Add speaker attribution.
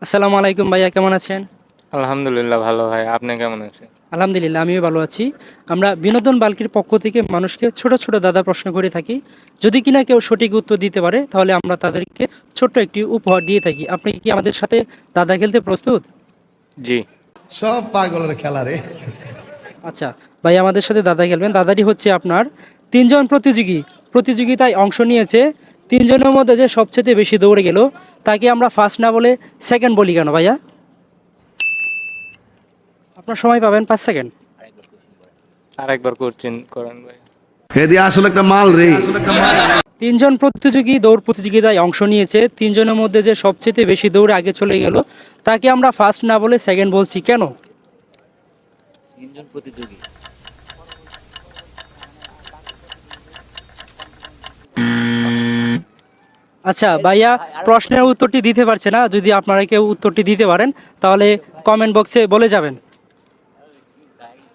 Speaker 1: আসসালামু আলাইকুম ভাইয়া, কেমন আছেন?
Speaker 2: আলহামদুলিল্লাহ ভালো ভাই। আপনি কেমন আছেন?
Speaker 1: আলহামদুলিল্লাহ, আমিও ভালো আছি। আমরা বিনোদন বাল্কির পক্ষ থেকে মানুষকে ছোট ছোট দাদা প্রশ্ন করে থাকি। যদি কিনা কেউ সঠিক উত্তর দিতে পারে তাহলে আমরা তাদেরকে ছোট্ট একটি উপহার দিয়ে থাকি। আপনি কি আমাদের সাথে দাদা খেলতে প্রস্তুত?
Speaker 2: জি।
Speaker 3: সব পাগলের খেলা রে।
Speaker 1: আচ্ছা, ভাই আমাদের সাথে দাদা খেলবেন। দাদাটি হচ্ছে আপনার তিনজন প্রতিযোগিতায় অংশ নিয়েছে। তিনজনের মধ্যে যে সবচেয়ে বেশি দৌড়ে গেল তাকে আমরা ফার্স্ট না বলে সেকেন্ড বলি কেন ভাইয়া? আপনার সময় পাবেন 5 সেকেন্ড।
Speaker 2: আরেকবার কোশ্চেন করেন ভাই।
Speaker 3: হেদি আসলে একটা মাল রে।
Speaker 1: তিনজন প্রতিযোগী দৌড় প্রতিযোগিতায় অংশ নিয়েছে। তিনজনের মধ্যে যে সবচেয়ে বেশি দৌড়ে আগে চলে গেল তাকে আমরা ফার্স্ট না বলে সেকেন্ড বলছি কেন?
Speaker 4: তিনজন প্রতিযোগী।
Speaker 1: আচ্ছা ভাইয়া, প্রশ্নের উত্তরটি দিতে পারছে না। যদি আপনারা কেউ উত্তরটি দিতে পারেন তাহলে কমেন্ট বক্সে বলে যাবেন।